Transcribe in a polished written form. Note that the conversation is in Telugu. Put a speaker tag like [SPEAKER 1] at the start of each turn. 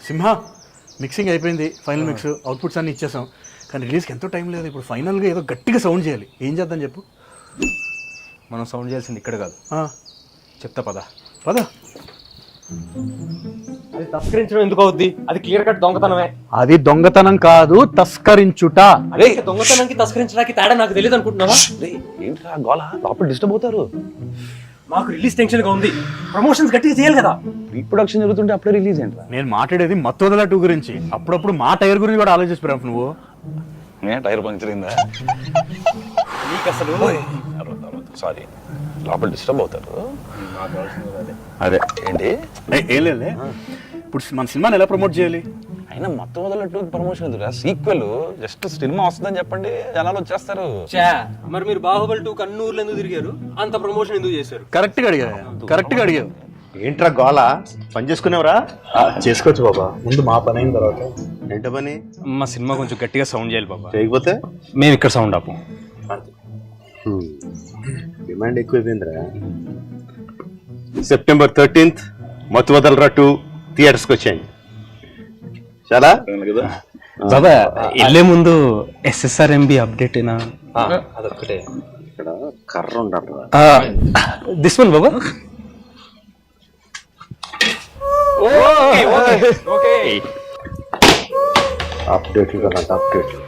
[SPEAKER 1] సింహ మిక్సింగ్ అయిపోయింది, ఫైనల్ మిక్స్ అవుట్పుట్స్ అన్ని ఇచ్చేసాం, కానీ రిలీజ్కి ఎంతో టైం లేదు. ఇప్పుడు ఫైనల్గా ఏదో గట్టిగా సౌండ్ చేయాలి. ఏం చేద్దాం చెప్పు?
[SPEAKER 2] మనం సౌండ్ చేయాల్సింది ఇక్కడ కాదు, చెప్తా పద. అది తస్కరించడం ఎందుకు అవుద్ది? అది క్లియర్ కట్ దొంగతనమే.
[SPEAKER 1] అది దొంగతనం కాదు, తస్కరించుట.
[SPEAKER 2] అదే దొంగతనానికి తస్కరించడానికి తేడా నాకు తెలియదు అనుకుంటున్నావా?
[SPEAKER 3] ఏంట్రా గోళ, లోపల డిస్టర్బ్ అవుతారు.
[SPEAKER 2] మాకు రిలీజ్ టెన్షన్ గా ఉంది, ప్రమోషన్స్ గట్టిగా చేయాలి కదా.
[SPEAKER 3] రీప్రొడక్షన్ జరుగుతుంటే అప్పుడే రిలీజ్ ఏంట్రా?
[SPEAKER 1] నేను మాట్లాడేది మత్తోదల 2 గురించి. అప్పుడప్పుడు మా టైర్ గురించి కూడా ఆలోచిస్తున్నావు నువ్వు.
[SPEAKER 3] టైర్ పంక్చర్ అయిందా?
[SPEAKER 2] నీకు అసలు
[SPEAKER 3] సారీ, లోపల డిస్టర్బ్ అవుతారు. అదే ఏంటి
[SPEAKER 1] ఏం లేదులే. ఇప్పుడు మన సినిమాని ఎలా ప్రమోట్ చేయాలి?
[SPEAKER 3] అయినా మొత్తం వదలట్టు ప్రమోషన్ ఎదురా, సీక్వెల్ జస్ట్ సినిమా వస్తుందని చెప్పండి, జనాలు వచ్చేస్తారు.
[SPEAKER 2] మరి మీరు బాహుబలి 2 కన్నూరులో ఎందుకు తిరిగారు? అంత ప్రమోషన్ ఎందుకు చేశారు?
[SPEAKER 1] కరెక్ట్గా అడిగావు.
[SPEAKER 4] ఏంట్రా గోళ, పని చేసుకునేవరా? చేసుకోవచ్చు బాబా, ముందు మా పని అయిన తర్వాత. ఏంట పని?
[SPEAKER 2] మా సినిమా కొంచెం గట్టిగా సౌండ్ చేయాలి బాబా.
[SPEAKER 4] చేయకపోతే
[SPEAKER 2] మేము ఇక్కడ సౌండ్ ఆపు.
[SPEAKER 4] డిమాండ్ ఎక్కువైపోయిందిరా. September 13th మత్తు వదలరా 2 థియేటర్స్కి వచ్చాయండి. చాలా
[SPEAKER 2] బాబా వెళ్ళే ముందు SSRMB అప్డేట్ అయినా
[SPEAKER 4] అదొక్కటే. ఇక్కడ కర్ర ఉండాలి.
[SPEAKER 2] దిస్ వన్ బాబా.
[SPEAKER 4] అప్డేట్లు కదా, అప్డేట్లు.